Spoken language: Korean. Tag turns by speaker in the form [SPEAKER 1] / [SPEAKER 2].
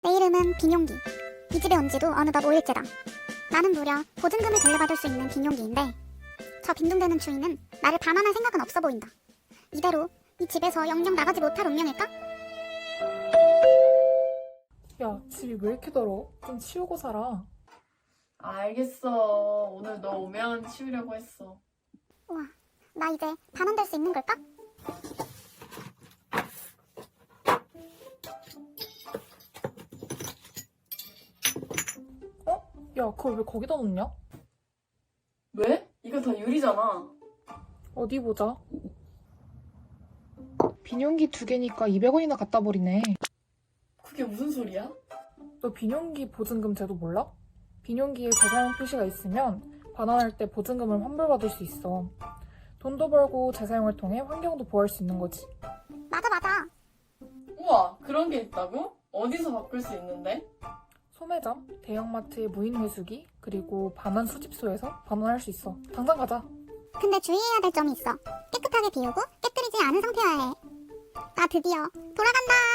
[SPEAKER 1] 내 이름은 빈용기. 이 집에 온 지도 어느덧 5일째다. 나는 무려 보증금을 돌려받을 수 있는 빈용기인데 저 빈둥대는 주인은 나를 반환할 생각은 없어 보인다. 이대로 이 집에서 영영 나가지 못할 운명일까?
[SPEAKER 2] 야, 집이 왜 이렇게 더러워? 좀 치우고 살아.
[SPEAKER 3] 알겠어. 오늘 너 오면 치우려고 했어.
[SPEAKER 1] 우와, 나 이제 반환될 수 있는 걸까?
[SPEAKER 2] 야, 그걸 왜 거기다 놓냐?
[SPEAKER 3] 왜? 이거 다 유리잖아.
[SPEAKER 2] 어디 보자. 비닐용기 2개니까 200원이나 갖다 버리네.
[SPEAKER 3] 그게 무슨 소리야?
[SPEAKER 2] 너 비닐용기 보증금 제도 몰라? 비닐용기에 재사용 표시가 있으면 반환할 때 보증금을 환불받을 수 있어. 돈도 벌고 재사용을 통해 환경도 보호할 수 있는 거지.
[SPEAKER 1] 맞아.
[SPEAKER 3] 우와, 그런 게 있다고? 어디서 바꿀 수 있는데?
[SPEAKER 2] 소매점, 대형마트의 무인회수기, 그리고 반환 수집소에서 반환할 수 있어. 당장 가자.
[SPEAKER 1] 근데 주의해야 될 점이 있어. 깨끗하게 비우고 깨뜨리지 않은 상태여야 해. 나 드디어 돌아간다.